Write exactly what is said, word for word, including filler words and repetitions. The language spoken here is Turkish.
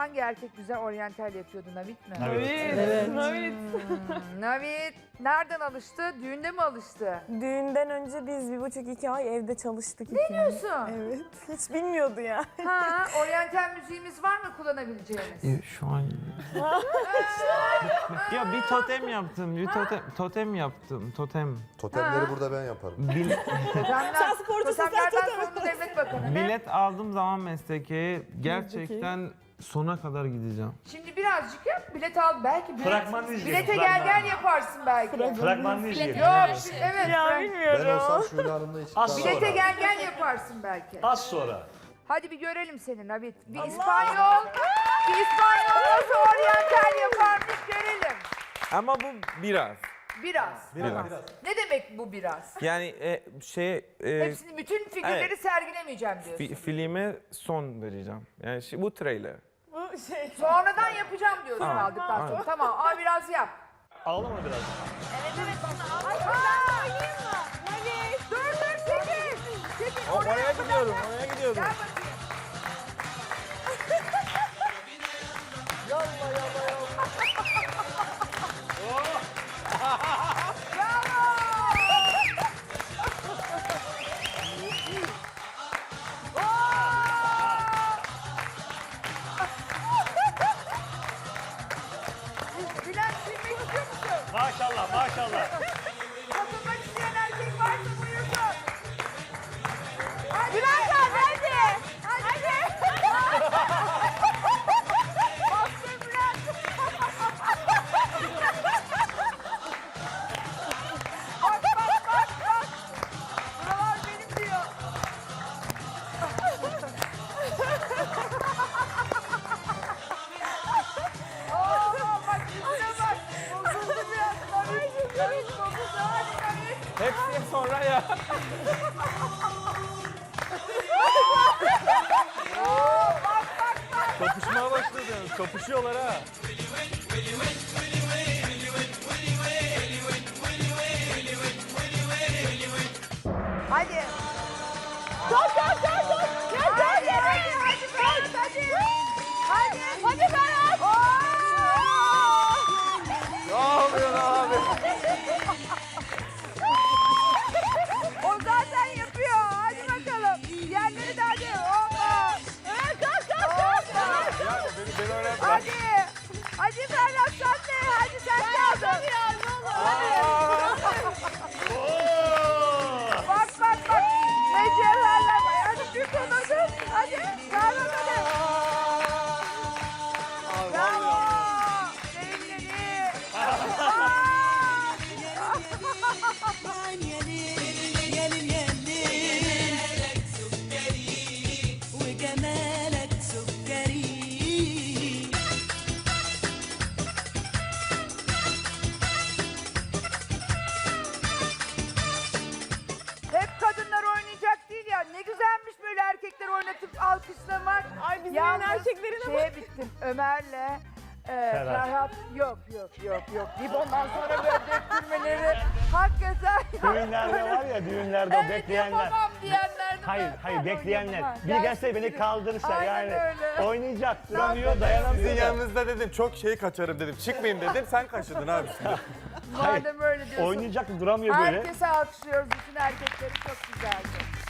hangi erkek güzel oryantal yapıyordu? Navit mi? Navit. Evet. Hmm, Navit nereden alıştı? Düğünde mi alıştı? Düğünden önce biz bir buçuk iki ay evde çalıştık. Ne diyorsun? Evet. Hiç bilmiyordu ya. Ha, oryantal müziğimiz var mı kullanabileceğimiz? E, Şu an... ya bir totem yaptım, bir totem, totem yaptım, totem. Totemleri Ha. burada ben yaparım. Bil, Totemler, Sen sporcusun, sen totemlerden totem. sorumlu devlet bakanı. Ne? bilet aldığım zaman mesleke gerçekten sona kadar gideceğim. Şimdi birazcık yap, bilet al. Belki bilet, Fragmanını izleyelim, bilete gel fragmanını. gel yaparsın belki. Fragmanını izleyelim. Yok, şimdi- evet. Ya frag- Ben bilmiyorum. olsam şöyle hanımla hiç Az iddialı Bilete sonra. gel gel yaparsın belki. Az sonra. Hadi bir görelim seni Navit. Bir İspanyol, bir İspanyol nasıl oryantal yaparmış görelim. Ama bu biraz. Biraz. Biraz. Ne demek bu biraz? Yani e, şey, e, Hepsini, bütün figürleri evet. sergilemeyeceğim diyorsun. fi- filme son vereceğim. Yani şey, bu trailer. Bu şey. Sonradan yapacağım diyorsun Tamam. aldıktan sonra. Aynen. Tamam, ama biraz yap. Ağlama biraz. Ay, ay. Dur dur çekil. Çekil. Oraya gidiyorum, oraya gidiyorum. Gel bakayım. Bülent silmek istiyor musun? Maşallah maşallah. Katılmak isteyen erkek varsa buyursun. Hadi Bülent abi hadi. Hadi. Bastır Bülent. Bak bak bak bak. Buralar benim diyor. Oo, bak yüzüne bak. Bozuldu biraz. Navit, Navit bozuldu. Hadi Navit. Hepsi sonra ya. Oo, bak bak bak. Kapışmaya başladı. Kapışıyorlar ha. Hadi. Dur dur dur dur. Gel gel Hadi, gel. hadi, hadi Ferhat, hadi. Hadi. Hadi Ferhat. Oo! Ne yapıyorsun abi? O zaten yapıyor. Hadi bakalım. Diğerleri de hadi. Hoppa. Evet kalk kalk kalk. Hoppa. Ya beni, beni öğretme. Hadi. Hadi Ferhat sen de. Hadi sen kaldın. Bak bak bak. Ne cevherler var. Hadi tut onu. Hadi. Ferhat hadi. Bravo. Sevgili. وجمالك سكري Hep kadınlar oynayacak değil ya. Ne güzelmiş böyle erkekler oynatıp alkışlamak. Ay bizim Yalnız erkeklerin ama. şeye bittim. Ömer'le e, Ferhat yok yok yok yok deyip ondan sonra böyle döktürmeleri hakikaten Düğünlerde var ya düğünlerde o evet, bekleyenler. yapamam diyenler. Hayır hayır bekleyenler. Ha, Biri gelse gelsin beni biri. kaldırırsa Aynen yani öyle. oynayacak duramıyor dayanamıyor. Sizin da. yanınızda dedim çok şey kaçarım dedim. Çıkmayayım dedim. Sen kaçırdın abi şimdi. Madem öyle diyorsun. Oynayacak duramıyor böyle. Herkese alkışlıyoruz. Bütün erkekleri çok güzeldi.